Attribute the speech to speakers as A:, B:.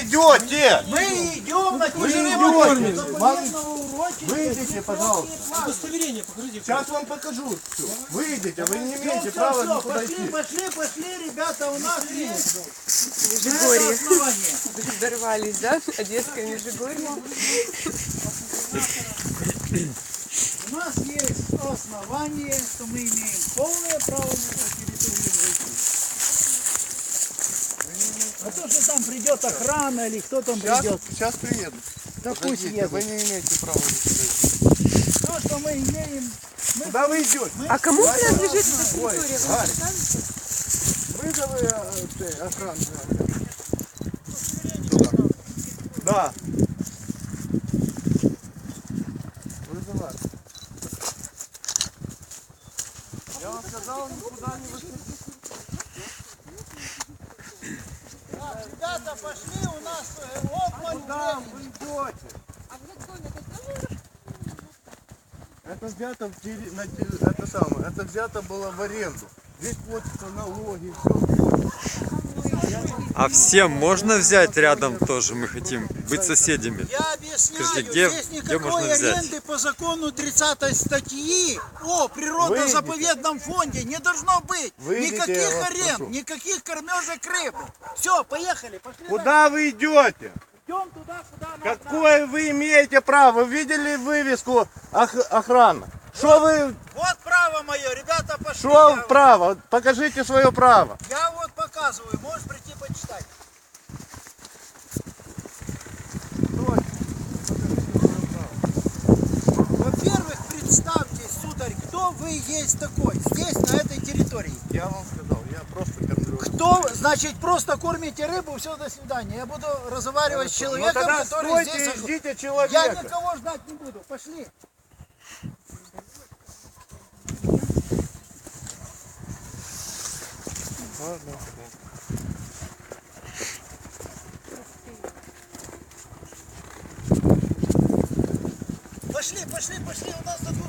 A: идете?
B: Мы идем на
A: Вы
B: территорию
A: идете?
B: заповедного урочища.
A: Выйдите, пожалуйста.
C: Удостоверение покажите.
A: Сейчас вам покажу все. Выйдите, вы не
B: Все,
A: имеете права
B: все,
A: никуда
B: пошли,
A: идти.
B: пошли, ребята, у нас есть
D: Межигорье.
B: основание.
D: Дорвались, да? Одесское Межигорье.
B: У нас есть основание, что мы имеем полное право на эту территорию зайти. А то, что там придет охрана или кто там придет,
A: Сейчас приеду.
B: да пусть
A: Подождите,
B: едут.
A: вы не имеете права никуда идти.
B: То, что мы имеем,
A: Куда вы идете?
D: А кому принадлежит эта
A: Ой,
D: территория? Вы
A: Галь.
D: расскажете?
A: Вызовы охрану. Туда. Да. Вызывай. Я вам сказал, никуда не выходить.
B: Так, ребята, пошли, у нас обман
A: Куда
B: времени.
A: вы идете? Это взято это взято было в аренду. Здесь платятся налоги, все.
E: А всем можно взять рядом тоже? Мы хотим быть соседями.
B: Я объясняю,
E: Скажите, где
B: здесь
E: можно
B: никакой
E: взять?
B: аренды по закону 30 статьи о природно-заповедном фонде не должно быть.
A: Выйдите, я
B: Никаких
A: вас
B: аренд,
A: прошу.
B: никаких кормежек рыб. Все, поехали, пошли.
A: Куда вы идете?
B: Идем туда, куда нам
A: Какое вы имеете право? Вы видели вывеску охрана? Что вы,
B: Вот право мое, ребята, пошли.
A: что право? Покажите свое право.
B: Я вот показываю, можешь прийти почитать. Во-первых, представьтесь, сударь, кто вы есть такой здесь, на этой территории.
A: Я вам сказал, я просто кормлю.
B: Кто, значит, просто кормите рыбу, все, до свидания. Я буду разговаривать с человеком,
A: Ну тогда
B: который
A: стойте
B: здесь...
A: и ждите
B: Я
A: человека.
B: никого ждать не буду, пошли. Пошли, у нас тут